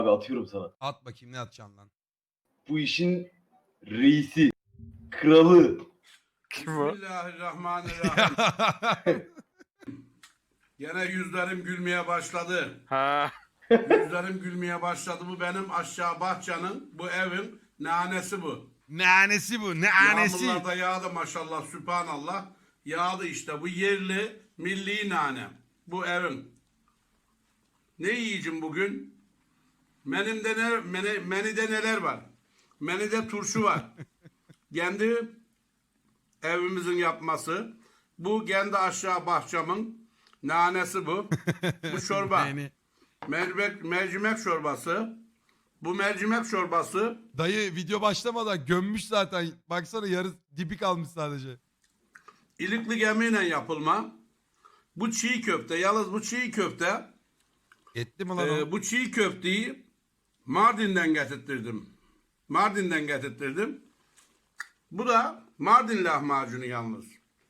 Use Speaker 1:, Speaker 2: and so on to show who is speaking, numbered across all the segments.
Speaker 1: Abi atıyorum sana.
Speaker 2: At bakayım ne atacaksın lan.
Speaker 1: Bu işin reisi, kralı.
Speaker 3: Kim o?
Speaker 4: Bismillahirrahmanirrahim. Gene yüzlerim gülmeye başladı.
Speaker 3: Ha.
Speaker 4: Yüzlerim gülmeye başladı. Bu benim aşağı bahçenin, bu evin nanesi bu.
Speaker 2: Nanesi bu, nanesi.
Speaker 4: Yağmurlar da yağdı maşallah, sübhanallah. Yağdı işte, bu yerli, milli nane. Bu evin. Ne yiyeceğim bugün? Menüde neler var? Menüde turşu var. Kendi evimizin yapması. Bu kendi aşağı bahçemin nanesi bu. Bu çorba.
Speaker 2: Yani.
Speaker 4: Mercimek çorbası. Bu mercimek çorbası
Speaker 2: Dayı video başlamadan gömmüş zaten. Baksana yarı dibi kalmış sadece.
Speaker 4: ilikli gemiyle yapılma. Bu çiğ köfte. Yalnız bu çiğ köfte
Speaker 2: Etti mi lan o?
Speaker 4: bu çiğ köfteyi Mardin'den getirttirdim. Mardin'den getirttirdim. Bu da Mardin lahmacunu yalnız.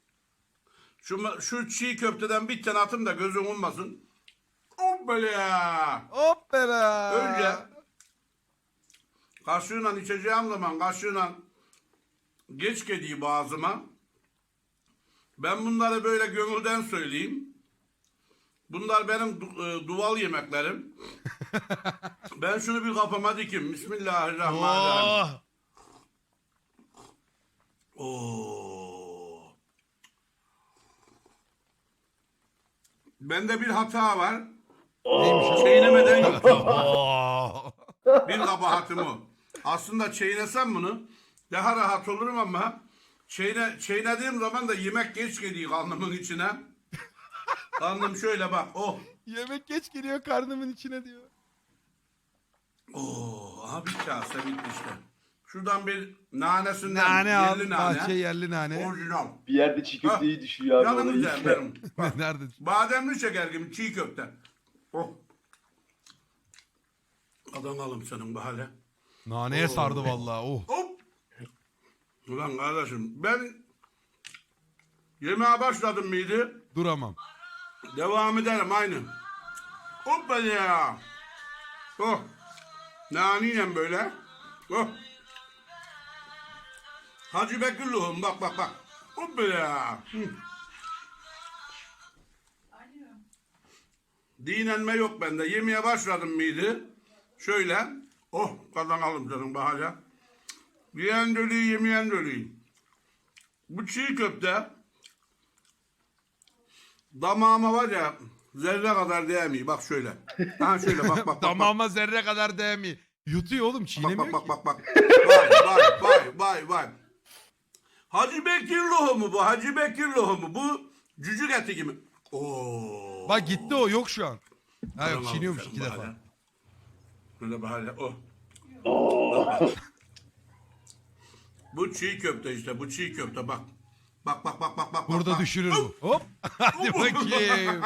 Speaker 4: Şu çiğ köfteden bir tane atın da gözün olmasın. Hoppala.
Speaker 2: Hoppala.
Speaker 4: Önce kaşığıyla içeceğim zaman kaşığıyla geç geliyor boğazıma. Ben bunları böyle gönülden söyleyeyim. Bunlar benim duval yemeklerim. Ben şunu bir kafama dikim. Bismillahirrahmanirrahim.
Speaker 2: Oh.
Speaker 4: Oo. Bende bir hata var.
Speaker 2: Neymiş o?
Speaker 4: Çiğnemeden yapıyorum.
Speaker 2: Oh.
Speaker 4: Bir kabahatim o. Aslında çiğnesem bunu daha rahat olurum ama çiğnediğim zaman da yemek geç geliyor karnımın içine. Karnım şöyle bak. Oh.
Speaker 2: Yemek geç geliyor karnımın içine diyor.
Speaker 4: Oo, aha bir kase bitti işte. Şuradan bir nanesinden
Speaker 2: Nane al.
Speaker 4: yerli nane.
Speaker 2: Bahçe yerli nane.
Speaker 4: Orijinal.
Speaker 1: Bir yerde çiğ köfteyi düşüyor abi.
Speaker 4: Yanım
Speaker 1: ona
Speaker 4: güzel
Speaker 1: iyi.
Speaker 4: benim. Bak,
Speaker 2: Nerede?
Speaker 4: bademli şeker gibi çiğ köfte. Oh. Adanalım senin bu hale.
Speaker 2: Naneye sardı vallahi. Oh.
Speaker 4: Hop. Ulan kardeşim ben yemeğe başladım mıydı?
Speaker 2: Duramam.
Speaker 4: Devam ederim aynı. Hoppa ya. Oh. Naniyle böyle. Oh. Hacı Bekirluğum bak bak bak. Hoppa ya. Dinlenme yok bende. Yemeye başladım mıydı? Şöyle. Oh kazanalım canım bahane. Yiyen dölüyü yemeyen dölüyü. Bu çiğ köfte damağıma var ya zerre kadar değmiyor. Bak şöyle. Ha şöyle bak bak bak.
Speaker 2: Damağıma zerre kadar değmiyor. Yutuyor oğlum, çiğnemiyor
Speaker 4: Bak
Speaker 2: ki.
Speaker 4: bak bak bak. Vay vay vay vay vay. Hacı Bekir lohumu bu. Hacı Bekir lohumu. Bu cücük eti gibi. Oo.
Speaker 2: Bak gitti o, yok şu an. Ha yok,
Speaker 4: Tamam,
Speaker 2: çiğniyormuş
Speaker 4: sen
Speaker 2: 2
Speaker 4: bahane.
Speaker 2: defa.
Speaker 4: Böyle bahane. Oh. Bu çiğ köfte işte. Bu çiğ köfte bak. Bak bak bak bak bak.
Speaker 2: Burada
Speaker 4: bak.
Speaker 2: düşürür bu. Hop. Hadi bakayım.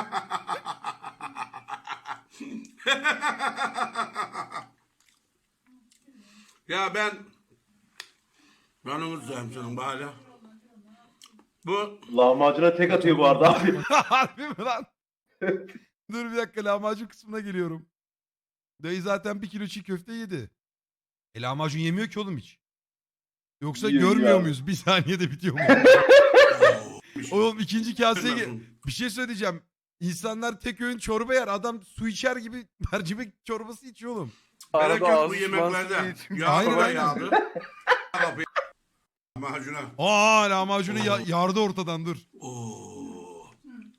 Speaker 4: Ya ben yanımızdayım senin bahane. Bu
Speaker 1: Lahmacuna tek atıyor bu arada abi.
Speaker 2: Harbi mi lan? Dur bir dakika, lahmacun kısmına geliyorum. Dayı zaten 1 kilo çiğ köfte yedi. Lahmacun yemiyor ki oğlum hiç. Yoksa
Speaker 1: Yiyor,
Speaker 2: görmüyor
Speaker 1: yiyor abi.
Speaker 2: muyuz? Bir saniyede bitiyor mu? Oğlum ikinci kaseye bir şey söyleyeceğim. İnsanlar tek öğün çorba yer. Adam su içer gibi mercimek çorbası içiyor oğlum.
Speaker 4: Gerek
Speaker 3: Arada
Speaker 4: yok bu
Speaker 3: ağzı
Speaker 4: yemeklerde.
Speaker 3: sulansı için-
Speaker 4: Yağ
Speaker 2: Aynen,
Speaker 4: da
Speaker 2: aynen.
Speaker 4: yağdı. Lahmacuna.
Speaker 2: Aa, lahmacunu yardı ortadan, dur.
Speaker 4: Oo.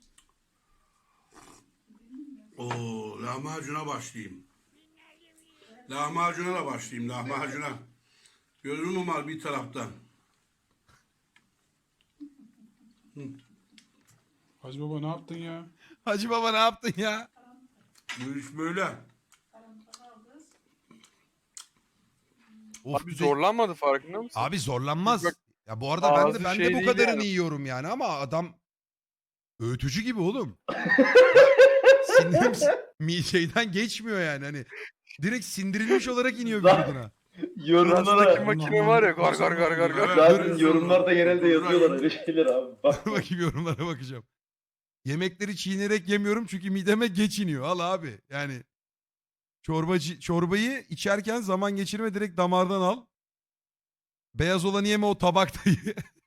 Speaker 4: Oo, lahmacuna başlayayım. Lahmacuna da başlayayım, lahmacuna. Gözüm var bir taraftan.
Speaker 5: Hacı baba ne yaptın ya?
Speaker 2: Hacı baba ne yaptın ya?
Speaker 4: Bu iş böyle.
Speaker 2: Of,
Speaker 3: Abi
Speaker 2: bir de-
Speaker 3: zorlanmadı farkında mısın?
Speaker 2: Abi zorlanmaz.
Speaker 3: Bak,
Speaker 2: Ya bu arada ben
Speaker 3: ağzı
Speaker 2: de
Speaker 3: şey
Speaker 2: bu
Speaker 3: değil
Speaker 2: kadarını
Speaker 3: yani.
Speaker 2: yiyorum yani, ama adam öğütücü gibi oğlum. Sindirim şeyden geçmiyor yani, hani direkt sindirilmiş olarak iniyor vücuduna.
Speaker 3: Şuradaki
Speaker 1: Yorumlara.
Speaker 3: makine var ya gar gar gar gar gar.
Speaker 1: Zaten yorumlarda genelde yazıyorlar öyle şeyler abi. Bak.
Speaker 2: Bakayım, yorumlara bakacağım. Yemekleri çiğnerek yemiyorum çünkü mideme geç iniyor. Al abi yani. Çorbayı içerken zaman geçirme, direkt damardan al. Beyaz olanı yeme, o tabaktayı.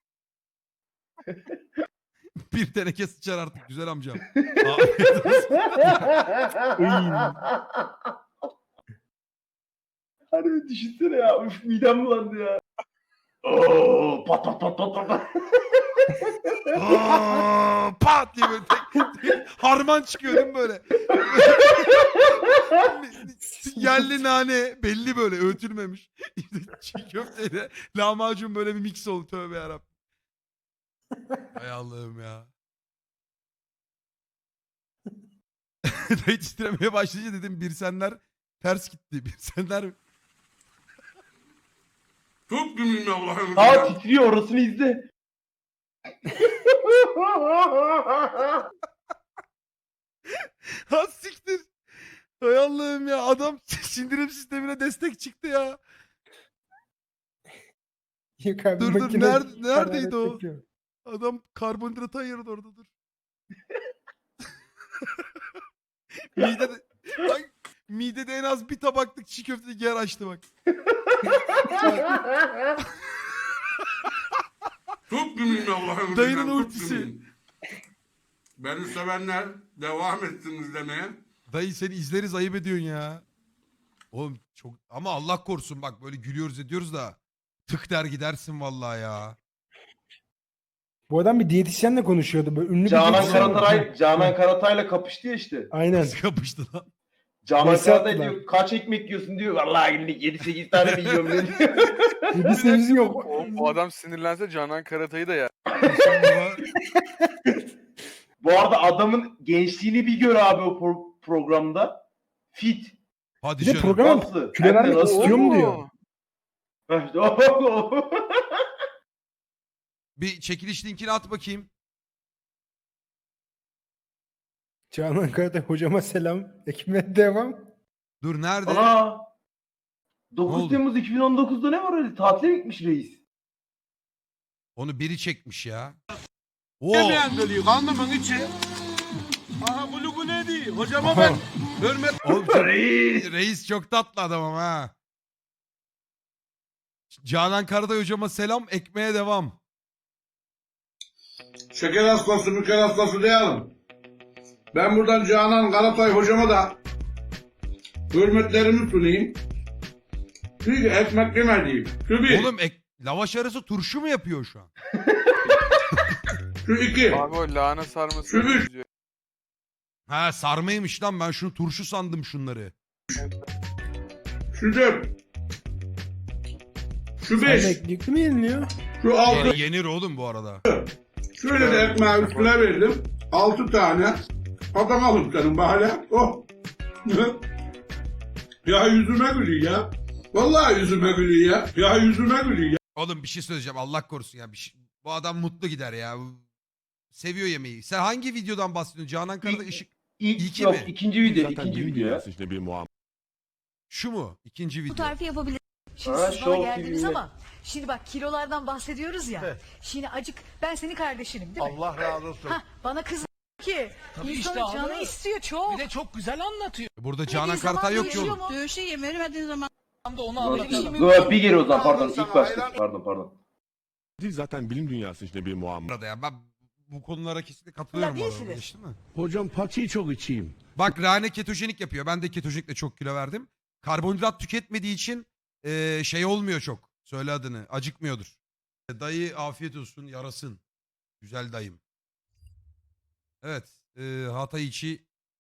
Speaker 2: Bir teneke sıçar artık güzel amcam. Afiyet olsun.
Speaker 1: Harbi düşünsene ya. Üf, midem bulandı ya. Oo, pat pat pat pat pat.
Speaker 2: Aa, pat diye böyle harman çıkıyor değil mi böyle? Yerli nane belli, böyle öğütülmemiş. Çiğ köfteyle lahmacun böyle bir mix oldu, tövbe yarabbim. Hay Allah'ım ya. Dayı titremeye başlayınca dedim Birsenler ters gitti. Birsenler
Speaker 4: Çok gümrüm Allah'ım.
Speaker 1: Aa, titriyor, orasını izle.
Speaker 2: ha siktir. Hay Allah'ım ya, adam sindirim sistemine destek çıktı ya.
Speaker 6: Yok abi,
Speaker 2: Dur,
Speaker 6: makine
Speaker 2: neredeydi o?
Speaker 6: hararet yapıyor.
Speaker 2: Adam karbonhidratı ayırdı orada, dur. midede, ay, midede en az bir tabaklık çiğ köfte yer açtı bak.
Speaker 4: Çok gümrüm Allah'ım.
Speaker 2: Dayının
Speaker 4: Çok
Speaker 2: ultisi.
Speaker 4: gümrüm. Beni sevenler devam etsin izlemeye.
Speaker 2: Dayı seni izleriz, ayıp ediyorsun ya. Oğlum çok, ama Allah korusun bak, böyle gülüyoruz ediyoruz da tık der gidersin vallahi ya.
Speaker 6: Bu adam bir diyetisyenle konuşuyordu. Böyle ünlü bir
Speaker 1: Canan
Speaker 6: diyetisyen.
Speaker 1: Karatay'la kapıştı ya işte.
Speaker 6: Aynen.
Speaker 2: Nasıl kapıştı lan?
Speaker 1: Canan
Speaker 6: Nasıl
Speaker 1: Karatay
Speaker 6: yaptılar?
Speaker 1: diyor kaç ekmek yiyorsun diyor. Vallahi günlük 7-8 tane mi yiyorum diyor.
Speaker 6: 7-8 yok.
Speaker 3: O adam sinirlense Canan Karatay'ı da yer.
Speaker 1: Bu arada adamın gençliğini bir gör abi o programda. Fit.
Speaker 2: Hadi
Speaker 6: Bir de
Speaker 2: canım.
Speaker 6: program
Speaker 1: Nasıl?
Speaker 6: kilo
Speaker 1: Hem de
Speaker 6: vermek
Speaker 1: nasıl?
Speaker 6: istiyor mu diyor.
Speaker 1: Heh, işte o.
Speaker 2: Bir çekiliş linkini at bakayım.
Speaker 6: Canan Karatay hocama selam. Ekmeğe devam.
Speaker 2: Dur, nerede?
Speaker 1: Ana.
Speaker 2: Ne
Speaker 1: 9
Speaker 2: oldu?
Speaker 1: Temmuz 2019'da ne var öyle? Tatile mi gitmiş reis?
Speaker 2: Onu biri çekmiş ya. Oo.
Speaker 4: Yemeyen dölüyor. Karnımın içi. Aha bulugu ne diyor? Hocama ben hürmet.
Speaker 2: Oğlum,
Speaker 1: Reis.
Speaker 2: reis çok tatlı adam ama ha. Canan Karatay hocama selam, ekmeğe devam.
Speaker 4: Şeker hastası, müker hastası diyelim. Ben buradan Canan Karatay hocama da hürmetlerimi sunayım. Çünkü ekmek yemediğim. Şu bir,
Speaker 2: Oğlum lavaş arası turşu mu yapıyor şu an?
Speaker 4: şu iki,
Speaker 3: Abi o lahana sarması.
Speaker 4: Şu bir.
Speaker 3: benziyor.
Speaker 2: Ha, sarmaymış lan, ben şunu turşu sandım şunları.
Speaker 4: şu dört, şu
Speaker 6: Sen
Speaker 4: beş,
Speaker 6: eklikli mi yeniliyor?
Speaker 4: şu altı.
Speaker 2: Yenir oğlum bu arada.
Speaker 4: Şöyle de ekmeği üstüne verdim. 6 tane. Adam alıp canım hala. Oh. Ya yüzüme gülüyor ya. Vallahi yüzüme gülüyor ya. Ya yüzüme gülüyor ya.
Speaker 2: Oğlum bir şey söyleyeceğim, Allah korusun ya. Bu adam mutlu gider ya. Seviyor yemeği. Sen hangi videodan bahsediyorsun? Canan Karatay ışık. İlki
Speaker 1: Yok,
Speaker 2: mi?
Speaker 1: ikinci video.
Speaker 7: Zaten
Speaker 1: İkinci
Speaker 7: bilim
Speaker 1: video ya.
Speaker 7: dünyası işte bir muamma.
Speaker 2: Şu mu? İkinci
Speaker 8: Bu
Speaker 2: video.
Speaker 8: tarifi yapabilirim. Şimdi
Speaker 1: Ha,
Speaker 8: siz bana
Speaker 1: Show
Speaker 8: geldiniz
Speaker 1: TV'de.
Speaker 8: ama şimdi bak kilolardan bahsediyoruz ya. Şimdi acık ben senin kardeşinim değil mi?
Speaker 9: Allah razı olsun.
Speaker 8: Hah, bana kız ki
Speaker 9: Tabii
Speaker 8: insanın
Speaker 9: işte
Speaker 8: canı
Speaker 9: abi.
Speaker 8: istiyor çok.
Speaker 9: Bir de çok güzel anlatıyor.
Speaker 2: Burada Canan
Speaker 8: Yediği zaman
Speaker 2: Karatay yok ki
Speaker 8: değişiyor
Speaker 2: oğlum.
Speaker 8: mu?
Speaker 10: Dövüşe yem vermediğin zaman
Speaker 9: Tam da onu
Speaker 8: Böyle bir şey
Speaker 9: anlatalım.
Speaker 8: mümkün
Speaker 1: Dur bir geri o zaman pardon.
Speaker 9: Sana
Speaker 1: İlk başta.
Speaker 9: hayran-
Speaker 1: Pardon.
Speaker 7: Zaten bilim dünyası işte bir muamma.
Speaker 2: Burada ya, ben bu konulara kesinlikle katılıyorum.
Speaker 8: Ya
Speaker 2: bu arada.
Speaker 8: değilsiniz.
Speaker 2: Geçti mi?
Speaker 7: Hocam paçayı çok içeyim.
Speaker 2: Bak, Rane ketojenik yapıyor. Ben de ketojenikle çok kilo verdim. Karbonhidrat tüketmediği için şey olmuyor çok. Söyle adını. Acıkmıyordur. Dayı afiyet olsun, yarasın. Güzel dayım. Evet. Hatay içi